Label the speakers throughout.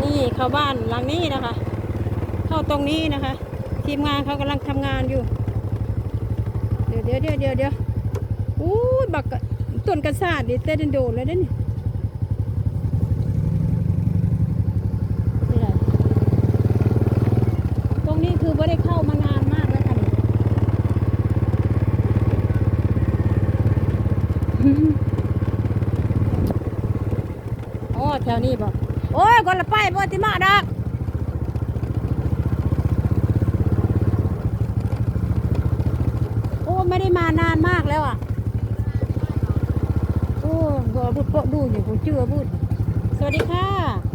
Speaker 1: นี่เข้าบ้านหลังนี้นะคะ เข้าตรงนี้นะคะ ทีมงานเขากำลังทำงานอยู่ เดี๋ยวอู้บักต้นกระสาดดิเต้นโดดเลยเด้นี่ตรงนี้คือไม่ได้เข้ามานานมากแล้วค่ะโอ้แถวนี้บอกโอ้ยคนละไปบ่ติมาดักโอ้ไม่ได้มานานมากแล้วอ่ะโอ้ก็บุดโปะดูอยู่ผมเชื่อบุดสวัสดีค่ะ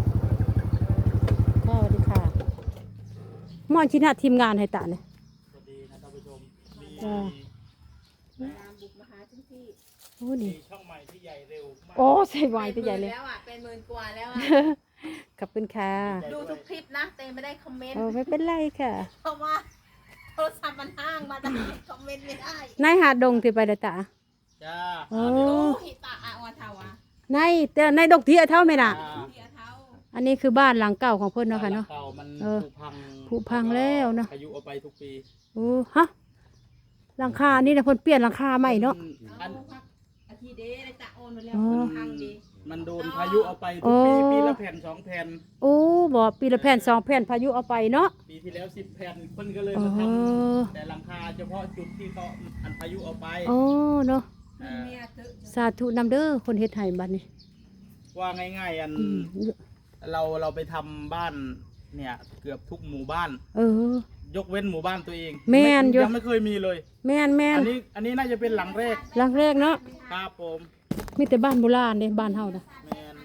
Speaker 1: สวัสดีค่ะมอนชินาทีมงานให้ตาเนี่ย
Speaker 2: สวัสดีนะท่านผู้ชมมี
Speaker 3: บุกมาหาถึงที่
Speaker 1: โอ้ดี
Speaker 2: ช่องใหม่ที่ใหญ่เร็วมาก
Speaker 1: โอ้ใส่ไวไปใหญ่เลย
Speaker 3: แล้วอ่ะเป็น10,000 กว่าแล้วอ่ะ
Speaker 1: ขอบคุณค่ะ
Speaker 3: ดูทุกคลิปนะแต่ไม่ได้คอมเมนต์
Speaker 1: โอ้ไม่เป็นไรค่ะ
Speaker 3: เพราะว่าโทรศัพท์มันห้างมาแต่คอมเมนต์ไม่ได้
Speaker 1: นายหาดงที่ไปเดอตา
Speaker 2: จ้า
Speaker 1: โอ้
Speaker 3: โอ้หิตาอะวันเทาวะ
Speaker 1: ในดงเทียเท่าไหมน่ะ
Speaker 3: เทียเท้า
Speaker 1: อันนี้คือบ้านหลังเก่าของเพิ่นเนาะค่ะเนาะ
Speaker 2: เก่ามัน
Speaker 1: ผุพังแล้วเนาะ
Speaker 2: พายุเอาไปทุกปี
Speaker 1: โอ้ฮะหลังคานี่นะเพิ่นเปลี่ยนหลังคาใหม่เนาะ
Speaker 3: เอาพักอาทิตย์เดย์ได้จะโอนไปแล้ว
Speaker 1: อ๋อ
Speaker 3: พังดี
Speaker 2: มันโดนพายุเอาไปทุกปีปีละแผ่น2 แผ่น
Speaker 1: โอ้บ่ปีละแผ่น2 แผ่นพายุเอาไปเนาะ
Speaker 2: ปีที่แล้ว10 แผ่นเพิ่นก็เลย
Speaker 1: อ๋อ
Speaker 2: มาทำแต่หลังคาเฉพาะจุดที่เขาอันพายุเอาไป
Speaker 1: โอ้เนาะ
Speaker 2: เอ่อ
Speaker 3: เมียเถอะ
Speaker 1: สาธุนำเด้อคนเฮ็ดให้บัดนี้
Speaker 2: ว่าง่ายๆอัน
Speaker 1: อืม
Speaker 2: เราไปทำบ้านเนี่ยเกือบทุกหมู่บ้าน
Speaker 1: เออ
Speaker 2: ยกเว้นหมู่บ้านตัวเอง
Speaker 1: แม่นอยู่
Speaker 2: ยังไม่เคยมีเลย
Speaker 1: แม่น
Speaker 2: อันนี้น่าจะเป็นหลังแรก
Speaker 1: หลังแรกเนาะ
Speaker 2: ครับผม
Speaker 1: มีแต่บ้านโบราณเด้บ้านเฮานะ
Speaker 2: แมน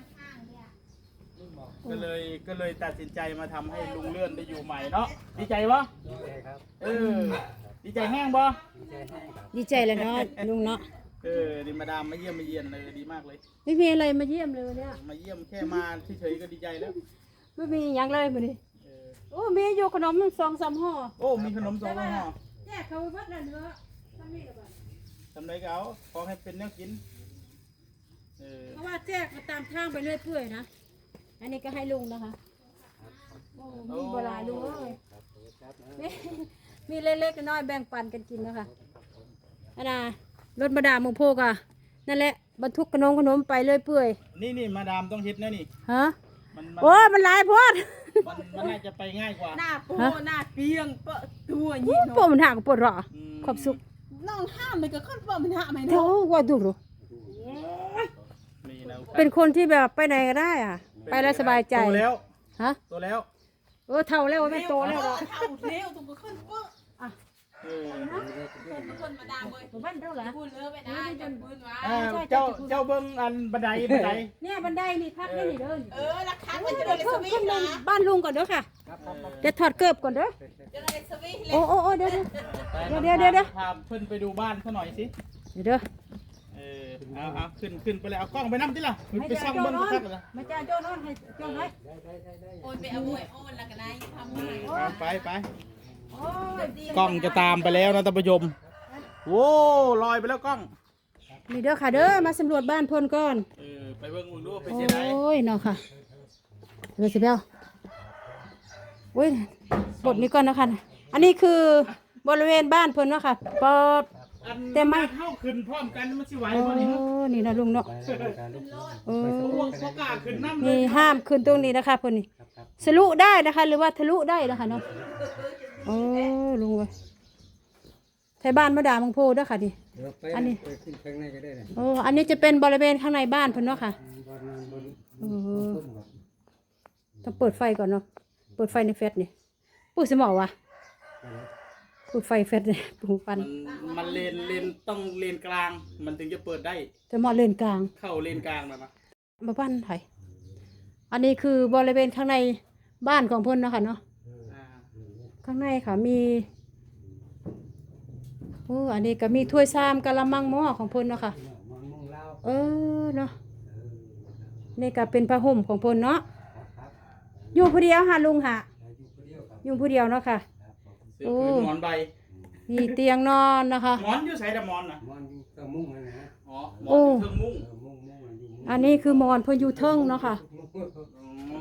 Speaker 2: ก็เลยตัดสินใจมาทำให้ลุงเลื่อนได้อยู่ใหม่เนาะดีใจปะดีใจครับดีใจแห้งปะ
Speaker 1: ดีใจเลยเนาะลุงเนาะ
Speaker 2: ดีมาดามมาเยี่ยมมาเยียนเลยดีมากเลย
Speaker 1: ไม่มีอะไรมาเยี่ยมเลยวันเนี้ย
Speaker 2: มาเยี่ยมแค่มาเฉยๆก็ดีใจแล้ว
Speaker 1: ไม่มีอย่างเลยมื้อนี้
Speaker 2: เออ
Speaker 1: โอ้มีอยู่ขนม2-3ห่อ
Speaker 2: โอ้มีขนม2 ห่อ
Speaker 1: แจกเขาวัดนั่นเด้อทำนี่ล่ะบ่
Speaker 2: ทำไรก็เอาขอให้เป็นแนวกิน
Speaker 1: เพราะว่าแจกมาตามทางไปเรื่อยเปื่อยนะอันนี้ก็ให้ลุงนะคะโอ้มีบ่หลายลุงเอ้ยมีเล็กๆน้อยๆแบ่งปันกันกินนะคะอันน่ะรถมาดามงโพกอ่ะนั่นแหละบรรทุกขนมไปเรื่อยเปื่อย
Speaker 2: นี่มาดามต้องฮิตนะนี่
Speaker 1: ฮะ
Speaker 2: มัน
Speaker 1: โอ้มันหลายโพด
Speaker 2: มันน่าจะไปง่ายกว่า
Speaker 3: หน้าโป้หน้าเปียงเปะตัว
Speaker 1: โอ้
Speaker 3: ยี่
Speaker 1: ปวดมันหักปวดหรอ
Speaker 2: อืม
Speaker 1: ขอบสุข
Speaker 3: น้องห้ามไปกับคนเปะมันห้ามไหม
Speaker 1: เท่า
Speaker 3: เนาะ
Speaker 1: ว่าดูหรอ
Speaker 2: นี่นะ
Speaker 1: เป็นคนที่แบบไปไหนก็ได้อ่ะ ไปแล้วสบายใจ
Speaker 2: โตแล้ว
Speaker 1: ฮะ
Speaker 2: โตแล้ว
Speaker 1: เท่าแล้วไม่โตแล้วหรอ
Speaker 3: เท่าเร็วถูกกับคนเปะ
Speaker 2: เออ
Speaker 3: คนมาดามเลย
Speaker 1: บ้านเท่าไหร่
Speaker 3: พูดเลิกไปได้จนพื้นวะ
Speaker 2: เจ้าเบิ้งอันบันได
Speaker 1: เนี่ยบันไดนี่พักได้นี่เด้อ
Speaker 3: ราคามัน
Speaker 1: เดี๋
Speaker 3: จะ
Speaker 1: ยว
Speaker 3: ได้ส
Speaker 1: เพิ่ม
Speaker 3: วิ
Speaker 1: ขึ้
Speaker 3: ง
Speaker 1: น
Speaker 3: นะ
Speaker 1: บ้านลุงก่อนเด้อค่ะเดี๋ยวถอดเกิบก่อนเด้อ
Speaker 3: จะได้สวิงเลย
Speaker 1: โอ้เดี๋ยว
Speaker 2: พาเพื่อนไปดูบ้านเขาหน่อยสิ
Speaker 1: เด้อ
Speaker 2: เอาขึ้นไปเลยเอากล้องไปนั่งที่ล่ะไปซ่องเบิ้งสักเลย
Speaker 1: มาจ้าโจ้นอนให้โจ้นให้
Speaker 3: โอนไปเอาไว้โอนแล้วก็ได้ทำไง
Speaker 2: ไปกล้องจะตามไปแล้วนะท่านผู้ชมโว้ลอยไปแล้วกล้อง
Speaker 1: นี่เด้อค่ะเด้อมาสำรวจบ้านพลก่อน
Speaker 2: ไปเบิ้งมึงดูไป
Speaker 1: โอ
Speaker 2: เสียดาย้
Speaker 1: ยเนาะค่ะเดี๋ยวสิเบลโอ้ยบทนี้ก่อนนะคะอันนี้คือบริเวณบ้านพลเนาะค่ะเปิด แต่ไม่
Speaker 2: เข้าขึ้นพร้อมกันมันสิไหว
Speaker 1: โอ้
Speaker 2: บ่นี่
Speaker 1: นี่นะลุงเนาะโอ้
Speaker 2: พวกกล้าขึ้นน้ำเลย
Speaker 1: นี่ห้ามขึ้นตรงนี้นะคะพลนี่ทะลุได้นะคะ หรือว่าทะลุได้นะคะเนาะโอ้ลุงเว้ยไทยบ้านมาด่ามังโพด้วยค่ะดิอันนี้โอ้อันนี้จะเป็นบริเวณข้างในบ้านพลเนาะค่ะต้องเปิดไฟก่อนเนาะเปิดไฟในเฟซนี่ปุ๊สมอวะเปิดไฟเฟซเนี่ยปูปัน
Speaker 2: มันเลนต้องเลนกลางมันถึงจะเปิดได้
Speaker 1: จะเหมาะเลนกลาง
Speaker 2: เข้าเลนกลางนะ
Speaker 1: มาบ้านไทยอันนี้คือบริเวณข้างในบ้านของพลเนาะค่ะเนาะข้างในค่ะมีโอ้อันนี้ก็มีถ้วยชามกะละมังหม้อของพลเนาะค่ะเนาะนี่ก็เป็นผ้าห่มของพลเนาะอยู่ผู้เดียวหาลุงหะอยู่ผู้เดียวเนาะค่ะ
Speaker 2: โอ้หมอนใบ
Speaker 1: มีเตียงนอนนะคะ
Speaker 2: หมอนอยู่ใส่แต่หมอนนะ
Speaker 4: มอนอยู่เติมมุ้งเลยนะ
Speaker 2: อ๋อหมอนอยู่เทิงมุ้ง
Speaker 4: มุ้งมุ้งมันอยู่
Speaker 1: อันนี้คือมอนเพนอยูเทิงเนาะค่ะ
Speaker 2: อืม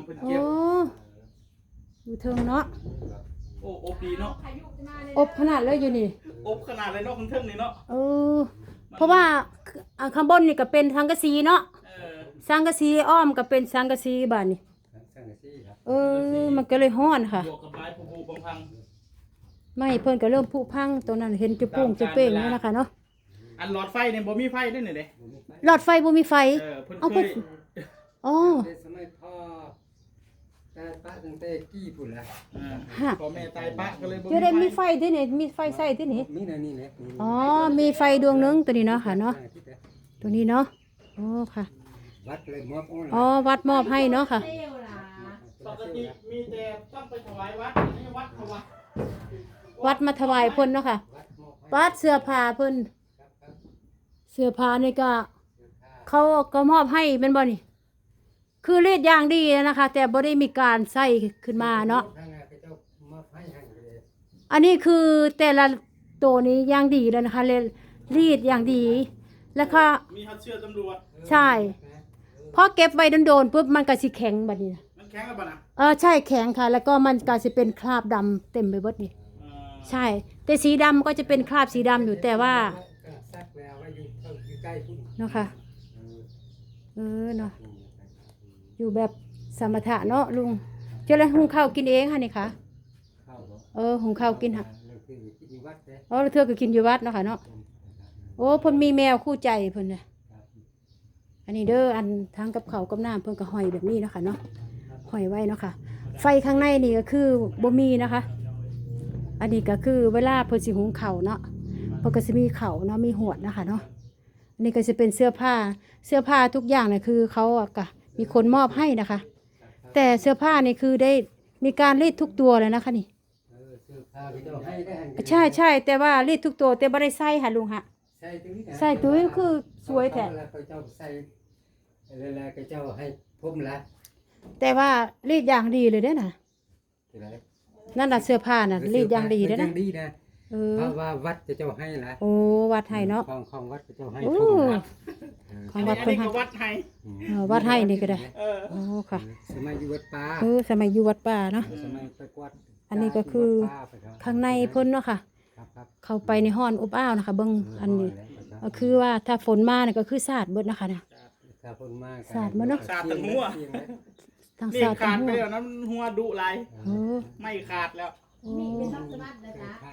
Speaker 2: เพิ่น
Speaker 1: โอ้
Speaker 2: เก็บ
Speaker 1: อยู่เทิงเนาะ
Speaker 2: โอ้อบดีเนาะ
Speaker 1: อบขนาดเลยอยู่นี่
Speaker 2: อบขนาดเลยเนาะข้างเทิงนี่เนาะ
Speaker 1: เออเพราะว่าข้างบนนี่ก็เป็นสังกะสีเนาะ
Speaker 2: เออ
Speaker 1: สังกะสีอ้อมก็เป็นสังกะสีบาดนี่เออมันก็เลยฮ้อนค่ะ
Speaker 2: บวกกับไม้ผูกพัง
Speaker 1: ไม่เพิ่นก็เริ่มผุพังตรงนั้นเห็นจุปุ้งจุเป้งนี่นะคะเนาะ
Speaker 2: ๆอันหลอดไฟเนี่ยบ่มีไฟด้วยนี่เด้
Speaker 1: หลอดไฟบ่มีไฟ
Speaker 2: เออเพิ่น
Speaker 1: เอา
Speaker 2: เค
Speaker 1: เพิ่น
Speaker 2: ย
Speaker 1: อ๋อ
Speaker 4: ในสมัยพ่อแต่ป้าตั้งแต่กี้พุ่นละ
Speaker 2: อ่าพ่อแม่ตายปะก็เลยบ่
Speaker 1: จะได้มี
Speaker 2: มี
Speaker 1: ไฟที่นี่มีไฟใส่ที่นี่
Speaker 4: มีนะนี่แหละ
Speaker 1: อ๋อมีไฟดวงหนึงตัวนี้เนาะค่ะเนาะตัวนี้เนาะโอ้ค่ะ
Speaker 4: วัดเลยมอบโอ้
Speaker 1: อ๋อวัดมอบให้เนาะค่ะ
Speaker 3: เที่ยวล่ะ
Speaker 2: ปกติมีแต่ต้องไปถวายวัดนี่วัดถวาย
Speaker 1: วัดมาถวายเพิ่นเนาะค่ะ
Speaker 4: วัดมอบให้
Speaker 1: วัดเสื้อผ้าเพิ่น
Speaker 4: ครับ
Speaker 1: เสื้อผ้านี่ก็เขาก็มอบให้เป็นบ่นี่คือเลียดอย่างดีนะคะ แต่บ่ได้มีการใส่ขึ้นมาเนาะ
Speaker 4: ทางนั้นก็เจ้ามอบให้ให้เลย
Speaker 1: อันนี้คือแต่ละตัวนี้อย่างดีแล้วนะคะเลยรีดอย่างดี แล้วก็
Speaker 2: มีฮัดเชื่อตำรวจ
Speaker 1: ใช่พอเก็บไว้โดนๆปุ๊บมันก็สิแข็งบัดนี้นะ
Speaker 2: มันแข็งแล้วป่ะนะ
Speaker 1: ใช่แข็งค่ะ แล้วก็มันก็สิเป็นคราบดำเต็มไปหมดนี่
Speaker 2: เออ
Speaker 1: ใช่ แต่สีดำก็จะเป็นคราบสีดำอยู่แต่ว่า
Speaker 4: ซักแล้วไว้อยู่ใกล้พุ่น
Speaker 1: เนาะค่ะเนาะอยู่แบบสมถะเนาะลุงเจ้าแล้วหุงข้าวกินเองค่ะนี่ค่ะ
Speaker 4: เข้าบ่
Speaker 1: หุงข้าวกินค่ะ
Speaker 4: เรื่องคือที่วัดเด้
Speaker 1: แล้วเธอก็กินอยู่วัดเนาะค่ะเนาะโอ้เพิ่นมีแมวคู่ใจเพิ่นน่ะอันนี้เด้ออันทั้งกับข้าวกับน้ำเพิ่นก็ห้อยแบบนี้เนาะค่ะเนาะห้อยไว้เนาะค่ะ ไฟข้างในนี่ก็คือบ่มีนะคะ อันนี้ก็คือเวลาเพิ่นสิหุงข้าวเนาะเพิ่นก็สิมีข้าวเนาะมีหวดนะคะเนาะอันนี้ก็จะเป็นเสื้อผ้าทุกอย่างเนี่ยคือเขาอะก็มีคนมอบให้นะคะ แต่เสื้อผ้านี่คือได้มีการรีดทุกตัวเลยนะคะนี่
Speaker 4: เสื้อผ้าก็เจ้าให้ได้
Speaker 1: ใช่แต่ว่ารีดทุกตัวแต่บ่ได้ใส่ค่ะลุงฮะ
Speaker 4: ใส่ตรงนี้นะ
Speaker 1: ใส่ตัวนี้คือสวยแท้
Speaker 4: แล้วก็เจ้าใส่แล้วก็เจ้าให้ผมละ
Speaker 1: แต่ว่ารีดอย่างดีเลยเด้อน่ะ
Speaker 4: ที่ไหน
Speaker 1: นั่นน่ะเสื้อผ้าน่ะรีดอย่างดีเด้อ
Speaker 4: ยั
Speaker 1: นะ
Speaker 4: งดีนะ
Speaker 1: เออ
Speaker 4: เพราะว่าวัดจะเจ้าให้ละ
Speaker 1: โอ้วัดให้เนาะ
Speaker 4: ของวัดจะเจ้าให้
Speaker 1: โอ้
Speaker 4: ผมละ
Speaker 1: ของวัด
Speaker 2: อัน
Speaker 1: เพิ่น
Speaker 2: นี้
Speaker 1: ให้
Speaker 2: ก็วัดให้
Speaker 1: วัดให้นี่ก็ได้
Speaker 2: เออ
Speaker 1: โอ้ค่ะ
Speaker 4: สมัยอยู่วัดป่า
Speaker 1: สมัยอยู่วัดป่าเนาะ
Speaker 4: สมัยไปกวาด
Speaker 1: อันนี้ก็คือ ข้างในเพิ่นเนาะค่ะ
Speaker 4: ครับ
Speaker 1: เข้าไปในห้อนอบอ้าวนะคะเบิ่งอันนี้ก็คือว่าถ้าฝนมาเนี่ยก็คือสาดเบิดนะคะนะ
Speaker 4: ถ้าคนมาก
Speaker 1: สาดมาเนอะ
Speaker 2: สาดทั้งหัว
Speaker 1: ทั้ง
Speaker 2: นี่
Speaker 1: สาดทั้
Speaker 2: ขาง ด
Speaker 1: หั
Speaker 2: ไป
Speaker 1: ว
Speaker 2: แล้วนั้นหัวดุหลาย
Speaker 1: โอ้
Speaker 2: ไม่ขาดแล้ว
Speaker 1: โอ้
Speaker 3: นี่เป็นทับสมัตินะจ๊ะ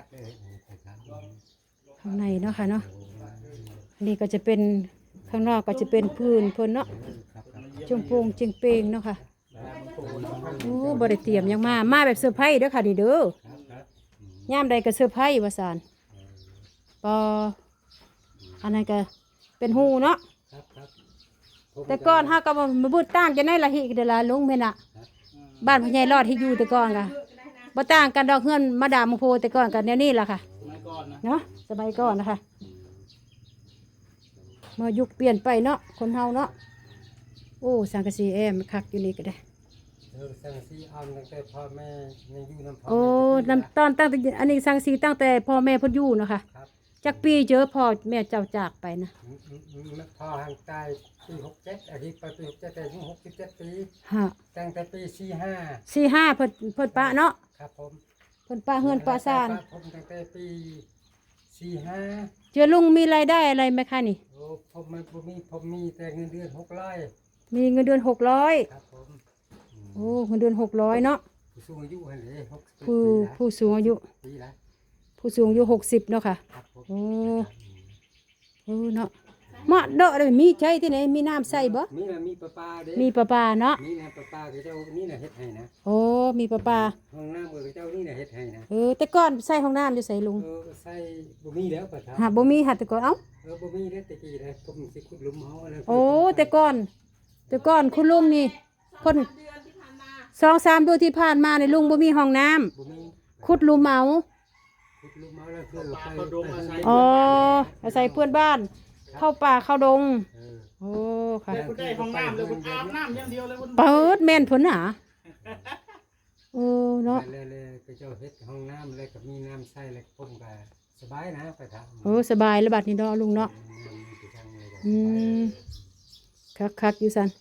Speaker 1: ข้างในเนาะค่ะเนาะอันนี้ก็จะเป็นข้างนอกก็จะเป็นพื้นเพิ่นเนาะจงโปงจิงเปงเนาะค่ะโอ้บ่ได้เตรียมหยังมาแบบเซอร์ไพรส์เด้อค่ะนี่เด้อยามใดก็เซอร์ไพรส์ว่าซั่นปออันนั้นก็เป็นหูเนาะแต่ก่อนเฮาก็มาบูดต่างจะในละหิเดอละลุงแม่นน่ะบ้านพ่อใหญ่รอดที่อยู่แต่ก่อนก็บ่ต่างกันดอกเฮือนมาดามมโพแต่ก่อนกันแนวนี้ล่ะค่ะ
Speaker 2: ไม่ก่อนนะ
Speaker 1: เนาะสมัยก่อนนะคะมายุคเปลี่ยนไปเนาะคนเฮาเนาะโอ้สังกะสีแอมคักอยู่นี่ก็ได้
Speaker 4: สังสีอ่อนตั้งแต่พ่อแม่ยังอยู่น้ำพ่อ
Speaker 1: โอ้น้ำตอนตั้งแต่อันนี้สังสีตั้งแต่พ่อแม่เพ่นอยู่เนาะค่ะ
Speaker 4: ครับ
Speaker 1: จักปีเจอพ่อแม่เจ้าจากไปนะ
Speaker 4: พ่อห่างตายปี67อาทิตย์ไปปี67แต่อายุ67ปี
Speaker 1: ฮะ
Speaker 4: ตั้งแต่ปี45
Speaker 1: 45เพิ่นปะเนาะ
Speaker 4: ครับผม
Speaker 1: เพิ่นปะเฮือนปะซ่าน
Speaker 4: ผมตั้งแต่ปี45
Speaker 1: เจอลุงมีรายได้อะไรไหมคะนี่
Speaker 4: โอ้ผมมีแต่เงินเดือน600
Speaker 1: มีเงินเดือน600
Speaker 4: ครับผม
Speaker 1: โอ้เงินเดือน600เนาะ
Speaker 4: ผู้สูงอายุหั่นเลย60
Speaker 1: ผู้สูงอายุ
Speaker 4: ปีละ
Speaker 1: ผู้สูงอายุ60เนาะค่ะ
Speaker 4: ครับผม
Speaker 1: โอ้เนาะมาเด้อเลยมีใช้ที่ไหนมีน้ำใส่บ่
Speaker 4: มีประปาเด้
Speaker 1: มีประปาเนาะ
Speaker 4: นี่นะประปาคือเจ้านี่นะเฮ็ดให้นะ
Speaker 1: โอ้มีประปา
Speaker 4: ห้องน้ำคือเจ้านี่นะเฮ็ดให้นะ
Speaker 1: แต่ก่อนใส่ห้องน้ำอยู่ใส่ลุง
Speaker 4: ใส่บ่มีแล้วประทับ
Speaker 1: หาบ่มีหาแต่ก่อนเอ้า
Speaker 4: บ่มีเด้อตะกี้นะผมสิขุดหลุมเฮาอะไร
Speaker 1: โอ้แต่ก่อนคุณลุงนี่คน
Speaker 3: เดือนที่ผ่านมา
Speaker 1: 2-3 เดือนที่ผ่านมาในลุงบ่มีห้องน้ำ
Speaker 4: บ่มี
Speaker 1: ขุดหลุมเอา
Speaker 4: ขุดหลุมเฮาแล้วคือ
Speaker 2: ปลาเขาดงอาศัย
Speaker 1: อ๋ออาศัยเพื่อนบ้าน เข้าป่าเข้าดง โอ้ค่ะ
Speaker 2: เลยคุณได้ห้องน้ำเลยคุณอาบน้ำอย่างเดียวเลยคุณ
Speaker 1: เปิดแม่นเพิ่นหาโอ้เนาะ
Speaker 4: แล้วก็เจ้าเฮ็ดห้องน้ำแล้วก็มีน้ำใช้แล้วผมก็สบายนะไปทาง
Speaker 1: โอ้สบายแล้วบัดนี้เนาะลุงเนาะอืมคักอยู่ซั่น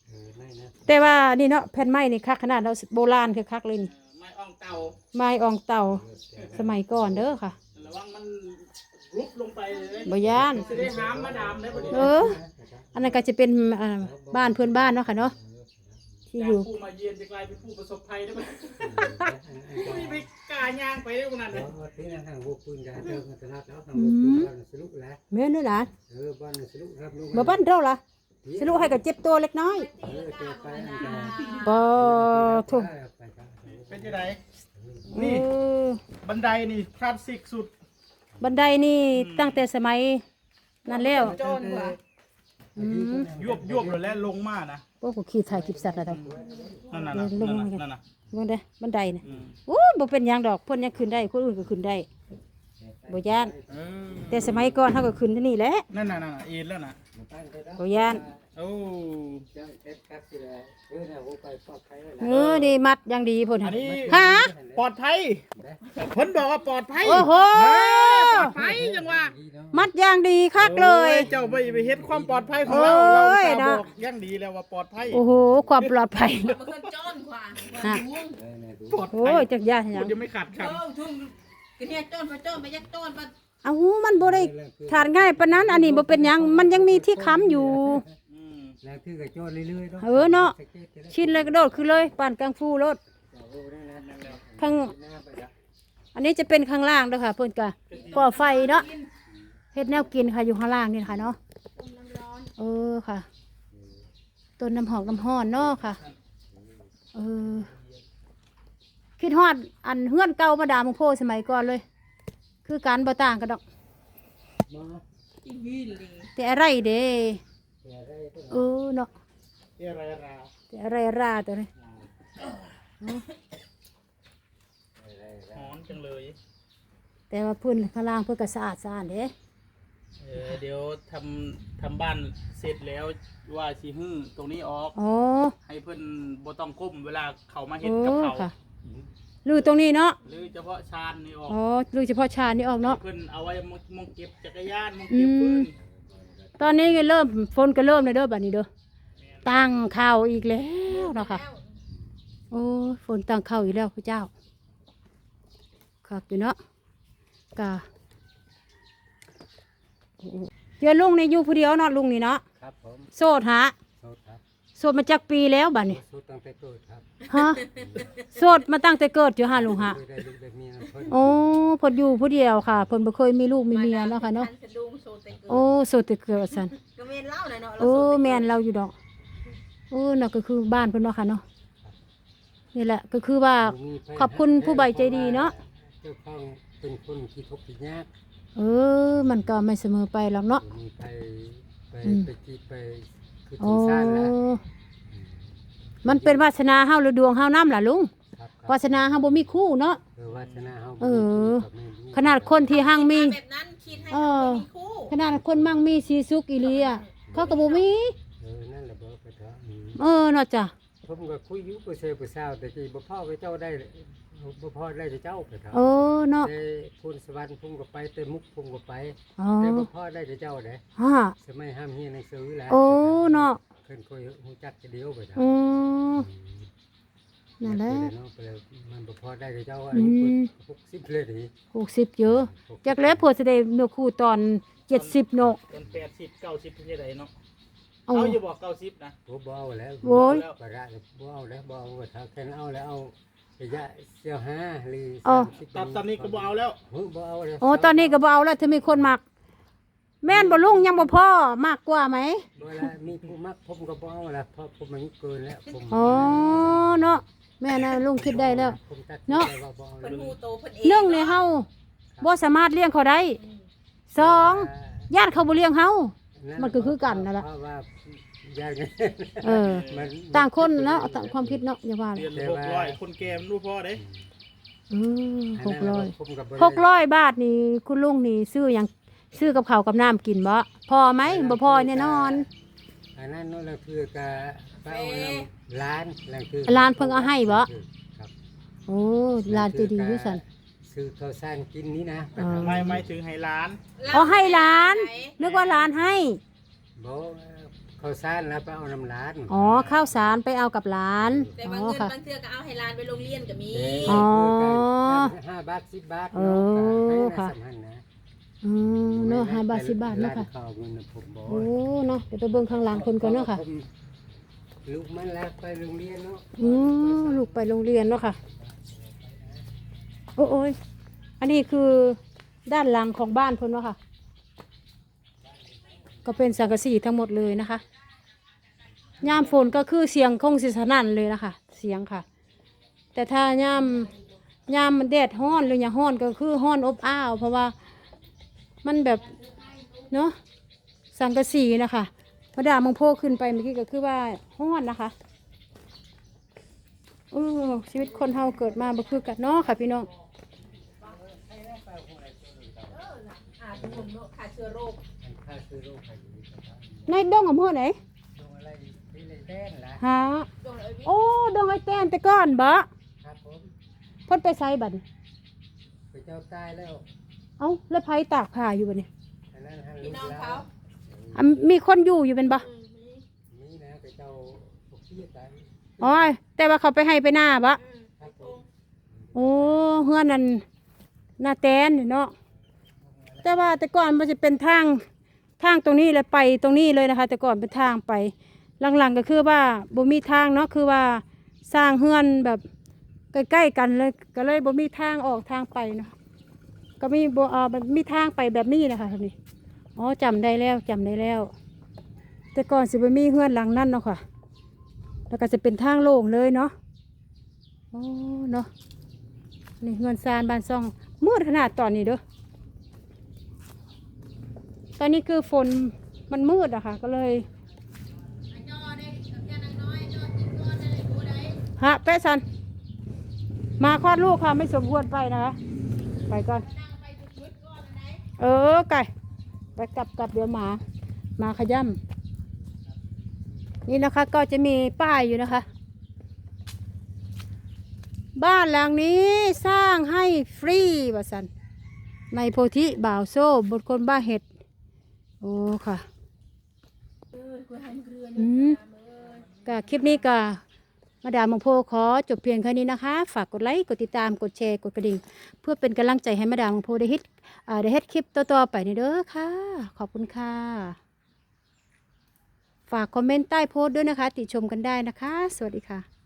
Speaker 4: ไม่นะ
Speaker 1: แต่ว่านี่เนาะแผ่นไม้นี่คักขนาดเราโบราณคือคักเลยนี่
Speaker 2: ไม่อ่องเตา
Speaker 1: ไม้อองเต่าสมัยก่อนเด้อค่ะ
Speaker 2: ระวังมันรุบลงไปเลย
Speaker 1: บ่ย่าน
Speaker 2: จะได้หามมาดามได้บ่ดี
Speaker 1: เออ อันนั้นก็จะเป็นบ้านเพื่อนบ้านเนาะค่ะเนาะที่อยู่
Speaker 2: ผู้มาเยือนจะกลายเป็นผู้ประสบภัยได้บ่ไม่ไปกล้าย่างไปได้ขนาดนั้น
Speaker 4: ที่นั่นทางบุกปืนกันเจอกันตลาดแล้วทางบุกปืนบ้านสรุปแล้ว
Speaker 1: แม่นด้วยล่ะ
Speaker 4: บ้านสรุปครับลูก
Speaker 1: บ่บ้านเราล่ะสรุปให้ก็เจ็บตัวเล็กน้อย
Speaker 4: เจอไปอันตราย
Speaker 1: บ่ทุก
Speaker 2: เป็นจังได
Speaker 1: เอ
Speaker 2: นี่
Speaker 1: อ
Speaker 2: บันไดนี่คลาสสิกสุด
Speaker 1: บันไดนี่ตั้งแต่สมัยนั้นแล้ว
Speaker 3: โจรกว่า
Speaker 2: ยวบเลยแล้วลงมานะ
Speaker 1: พวกกูขี่ถ่ายคลิปสัตว์อะไร
Speaker 2: นั่นน่ะ
Speaker 1: ลงมากัน
Speaker 2: นั่นน่ะ
Speaker 1: บันไดบันไดน่ะ
Speaker 2: อืม
Speaker 1: โอ้บ่เป็นหยังดอกเพิ่นยังขึ้นได้คนอื่นก็ขึ้นได้บ่ย่าน
Speaker 2: เออ
Speaker 1: แต่สมัยก่อนเฮาก็ขึ้นที่นี่แหละ
Speaker 2: นั่นน่ะเอ็นแล้วน่ะ
Speaker 1: บ่ย่าน
Speaker 2: โอ้
Speaker 1: นี่มัดอย่างดีพุ่น
Speaker 2: อันนี้
Speaker 1: ฮะ
Speaker 2: ปลอดภัยเพิ่นบอกว่าปลอดภัย
Speaker 1: โอ้โห
Speaker 2: ปลอดภัยจังว่า
Speaker 1: มัดอย่างดีคักเลย
Speaker 2: โอ้เจ้าไปเฮ็ดความปลอดภัยของเรา
Speaker 1: โอ้
Speaker 2: เรา
Speaker 1: ย
Speaker 2: จะ
Speaker 1: นะ
Speaker 2: บอกอย่างดีแล้วว่าปลอดภัย
Speaker 1: โอ้โหความปลอดภัย
Speaker 3: มันขึ้นโจรกว่า
Speaker 1: ฮะ
Speaker 2: ปลอด
Speaker 1: โอ้
Speaker 2: ภัย
Speaker 1: ยจักย่านหยั
Speaker 2: คุ
Speaker 1: ง
Speaker 2: ณยังไม่ขาด
Speaker 3: โจ
Speaker 2: คำ
Speaker 3: รทุ่งกันเนี่ยโจรไปยักโจรไป
Speaker 1: เอ้ามันบ่ได้ทานง่ายปานนั้นอันนี้บ่เป็นหยังมันยังมีที่ค้ำอยู่
Speaker 2: อืม
Speaker 4: แล้วคือกับโจรเรื่อยๆ
Speaker 1: เออเนาะ ชินเลยกระโดดขึ้นเลยปานกังฟูรถข้างอันนี้จะเป็นข้างล่างเด้อค่ะเพิ่นก็ก่อไฟเนาะเฮ็ดแนวกินค่ะอยู่ข้างล่างนี่ค่ะเนาะเออค่ะ ต้นน้ำหอมน้ำห้อนเนาะค่ะเออคิดฮอดอันเฮือนเก่ามาดามโพสมัยก่อนเลย คือการบ่ต่างกันดอก
Speaker 3: อีวีเลย
Speaker 1: แต่อะไรเด้เออเนาะ
Speaker 2: เอะไรรา
Speaker 1: แต่อะไรราแต่เลย
Speaker 2: หอนจังเลย
Speaker 1: แต่ว่าพื้นข้างล่างเพื่อก็สะอาดเด้
Speaker 2: เดี๋ยวทำบ้านเสร็จแล้วว่าสิฮื้อตรงนี้ออก
Speaker 1: อ๋อ
Speaker 2: ให้เพิ่นบ่ต้องก้มเวลาเขามา
Speaker 1: โอ้
Speaker 2: เฮ็ดกับเขา
Speaker 1: ค่ะลือตรงนี้เนาะ
Speaker 2: หรือเฉพาะชานนี่ออก
Speaker 1: อ๋อลือเฉพาะชาญนี่ออกเนาะ
Speaker 2: เพิ่นเอาไว้มองเก็บจักรยานมองเก็บปืน
Speaker 1: ตอนนี้ก็เริ่มฝนก็เริ่มเลยเด้อบัดนี้เด้อตั้งข้าวอีกแล้วเนาะค่ะโอ้ยฝนตั้งข้าวอีกแล้วพระเจ้าครับอยู่เนาะกะเดี๋ยวลุงนี่อยู่ผู้เดียวเนาะลุงนี่เนาะ
Speaker 4: ครับผม
Speaker 1: โสดฮะ
Speaker 4: โสดครับ
Speaker 1: โสดมาจากปีแล้วบัดนี้
Speaker 4: โสดตั้งแต่เกิดครับ
Speaker 1: ฮะโสดมาตั้งแต่เกิดอยู่ฮะลุงฮะ
Speaker 4: เคยได้ลูกได้เมียเพิ่น
Speaker 1: โอ้เพนอยู่ผู้เดียวค่ะเพนบ่เคยมีลูกมีเมียเนาะค่ะเนาะ
Speaker 3: สะดุ้งโซเตเกิ
Speaker 1: โอ้โสดแต่เกิดสัน
Speaker 3: ก็เมนเล่าหน่อยเนาะ
Speaker 1: โอ้แม่นเราอยู่ดอกโอ้น่ะก็คือบ้านเพิ่นเนาะค่ะเนาะนี่แหละก็คือว่า ขอบคุณผู้ใบใจดีเนาะ
Speaker 4: เจ้าของเป็นคนที่ทุกข์ที่ยาก
Speaker 1: เออมันก็ไม่เสมอไปหรอกเนาะ
Speaker 4: มีไป
Speaker 1: อืม
Speaker 4: ที่ไปคือ
Speaker 1: โอ้
Speaker 4: ถึงซ่านแล้ว
Speaker 1: มันเป็นวาสนาเฮาหรือดวงเฮานำล่ะลุง
Speaker 4: ครับ
Speaker 1: วาสนาเฮาบ่มีคู่เนาะ
Speaker 4: วาสนาเฮา
Speaker 1: เออ ขนาดคนที่ห้างมี
Speaker 3: แบบนั้นคิดให้เขามีคู่
Speaker 1: ขนาดคนมั่งมีสีสุขอีหลีอ่ะเขาก็บ่มี
Speaker 4: นั่นแหละบ่ไปเถอะ
Speaker 1: เนาะจ้ะ
Speaker 4: ผมก็คุยอยู่กับเซลกับสาวแต่กี้บ่พ่อไปเจ้าได้บ่พ่อได้แต่เจ้าไปเถอะ
Speaker 1: เนาะ
Speaker 4: แต่พูนสวรรค์ผมก็ไปแต่มุกผมก็ไป
Speaker 1: อ๋อ
Speaker 4: แต่บ่พ่อได้แต่เจ้าเด้
Speaker 1: ฮะ
Speaker 4: สมัยห้ามเฮียนหนังสือแล้ว
Speaker 1: โอ้เนาะ
Speaker 4: เพิ่นค่อยฮู้จักจะเดียวไปเถอะ
Speaker 1: อืมนั่นแหละ
Speaker 4: มันบ่พอได้แต่เจ้าอา
Speaker 1: อื
Speaker 4: ยุ
Speaker 1: ม
Speaker 4: 60เลยนี่
Speaker 1: 60เยอะจักแล้วเพิ่นสิได้เนื้อคู่ตอน70เนาะ
Speaker 2: จน80 90เป็นจังไดเนาะ
Speaker 1: เอา
Speaker 2: เอาอยู่บอก90นะ
Speaker 4: บ่เอาแล้ว
Speaker 1: โอ้ย
Speaker 4: บ่ได้บ่เอาแล้วบ่เอาถ้าแค่เอาแล้วเอาระยะเสียว5หรือ
Speaker 1: อ๋อ
Speaker 4: 30
Speaker 2: ตอนนี้ก็บ่เอาแล้ว
Speaker 4: บ่เอาแล้ว
Speaker 1: โอ้ตอนนี้ก็บ่เอาแล้วถ้ามีคนมัก แม่นบ่ลุงยังบ่พอมากกว่าไหม
Speaker 4: บ่ละมีผู้มักผมก็บ่เอาแล้วเพราะผมมันเกินแล้วผม
Speaker 1: อ๋อเนาะแม่นะลุงคิดได้แล้ว
Speaker 4: ผมตัด
Speaker 1: เนาะ
Speaker 4: ใจว่าบ่เอา
Speaker 3: เพิ่น
Speaker 4: แล้ว
Speaker 3: ฮู้โตเพิ่นเอง
Speaker 1: หนึ่งในเฮาบ่สามารถเลี้ยงเขาได้สองญาติเขาบ่เลี้ยงเฮา มันก็คือกันนั่นล่ะ
Speaker 4: เพราะว่าอย่างนี้
Speaker 1: เออ
Speaker 4: มัน
Speaker 1: ต่างคนเนาะต่างความคิดเนาะอย่าว่าเล
Speaker 2: เดื
Speaker 1: ย
Speaker 2: อนละ600คนแก่มันรู้พอเด้
Speaker 1: 600
Speaker 4: ผมก็บ่ได้
Speaker 1: 600 บาทนี่คุณลุงนี่ซื้อหยังซื้อกับข้าวกับน้ำกินบ่พอไหมบ่พอแน่นอน
Speaker 4: อันนั้นนั่นแหละคือกะป้าเอาน้ำร้านแล้วคือ
Speaker 1: ร้านเพิ่งเอาให้บ่
Speaker 4: ครับ
Speaker 1: โอ้ร้านใจดีอยู่ซั่น
Speaker 4: ซื้อข้าวสารกินนี้นะ
Speaker 1: อ๋อ
Speaker 2: ไม่ถึงให้ร้าน
Speaker 1: เอาให้ร้านนึกว่าร้านให้
Speaker 4: บ่เขาซ่านแล้วไปเอาน้ำร้าน
Speaker 1: อ๋อข้าวสารไปเอากับหลาน
Speaker 3: แต่
Speaker 1: อ๋
Speaker 3: ว่า
Speaker 1: อ
Speaker 3: เงิน
Speaker 1: ค่ะ
Speaker 3: บางเทื่อก็เอาให้หลานไปโรงเรียนก็มี
Speaker 1: อ๋อ
Speaker 4: 5 บาท 10 บาท
Speaker 1: เออค่ะ เนาะ5 บาท 10 บาทเนาะค่ะ
Speaker 4: เขาเงินผมบ่
Speaker 1: โอ้เนาะเดี๋ยวไปเบิ่งข้างหลังคนก่อนเนาะค่ะ
Speaker 4: ลูกมันแล้วไปโรงเรียนเนาะ
Speaker 1: ลูกไปโรงเรียนเนาะค่ะโอ้ยอันนี้คือด้านหลังของบ้านเพิ่นเนาะค่ะ ก็เป็นสังกะสีทั้งหมดเลยนะคะยามฝนก็คือเสียงคงสิสนั่นเลยนะคะเสียงค่ะ แต่ถ้ายามมันแดดฮ้อนหรืออย่างฮ้อนก็คือฮ้อนอบอ้าว เพราะว่ามันแบบเนาะสังกะสีนะคะมาดามมังโพขึ้นไปเมื่อกี้ก็คือว่าฮ้อนนะคะชีวิตคนเฮาเกิดมาบ่คือกันเนาะค่ะพี่น้อง
Speaker 3: ทุกคนขาดเชื้อโรค
Speaker 4: ค่าซื้อโรคใครอยู่ที่บ้าน
Speaker 1: ในดงอำเภอไหน
Speaker 4: โรงอะไรที่เลยแต้นล่ะ
Speaker 1: ฮะ
Speaker 3: โดนเลยวิ
Speaker 1: โอ้ดงไอ้แต้นแต่ก่อนบ่
Speaker 4: ครับผม
Speaker 1: เพิ่นไปไสบัดนี้
Speaker 4: ไปเจ้าตายแล้ว
Speaker 1: เอ้าแล้วไผตากผ้าอยู่บัดนี้
Speaker 4: อันนั้นให้
Speaker 3: พี่
Speaker 4: ลูก
Speaker 3: น้อง
Speaker 4: แล้
Speaker 3: เขา
Speaker 4: ว
Speaker 1: มีคนอยู่เป็นบ่
Speaker 4: นี่นะไปเจ้าพวกพี่ตาย
Speaker 1: อ๋อแต่ว่าเขาไปให้ไปหน้าบ่
Speaker 4: ครับผม
Speaker 1: โอ้เฮือนนั่นหน้าแตนนี่เนาะแต่ว่าแต่ก่อนมันจะเป็นทางตรงนี้เลยไปตรงนี้เลยนะคะ แต่ก่อนเป็นทางไปหลังๆก็คือว่าบ่มีทางเนาะคือว่าสร้างเฮือนแบบใกล้ๆกันเลยก็เลยบ่มีทางออกทางไปเนาะก็มีบ่แบบมีทางไปแบบนี้นะคะทีนี้อ๋อจำได้แล้ว แต่ก่อนสิบ่มีเฮือนหลังนั้นเนาะค่ะแล้วก็จะเป็นทางโล่งเลยเนาะโอ้เนาะนี่เฮือนซานบ้านซ่องมืดขนาดตอนนี้เด้อตอนนี้คือฝนมันมืดอะค่ะก็เลยฮะแป๊ะซันมาคลอดลูกค่ะไม่สมควรไปนะคะไปก่อนไก่ไปกลับเดี๋ยวมาขย่ำนี่นะคะก็จะมีป้ายอยู่นะคะ บ้านหลังนี้สร้างให้ฟรีว่าสันในโพธิบ่าวโซ่บทคนบ้าเห็ดโอ้ค่ะก็คลิปนี้ก็มาดามมังโพขอจบเพียงแค่นี้นะคะฝากกดไลค์กดติดตามกดแชร์กดกระดิ่งเพื่อเป็นกำลังใจให้มาดามมังโพได้เฮ็ดคลิปต่อๆไปนี่เด้อค่ะขอบคุณค่ะฝากคอมเมนต์ใต้โพสต์ด้วยนะคะติชมกันได้นะคะสวัสดีค่ะ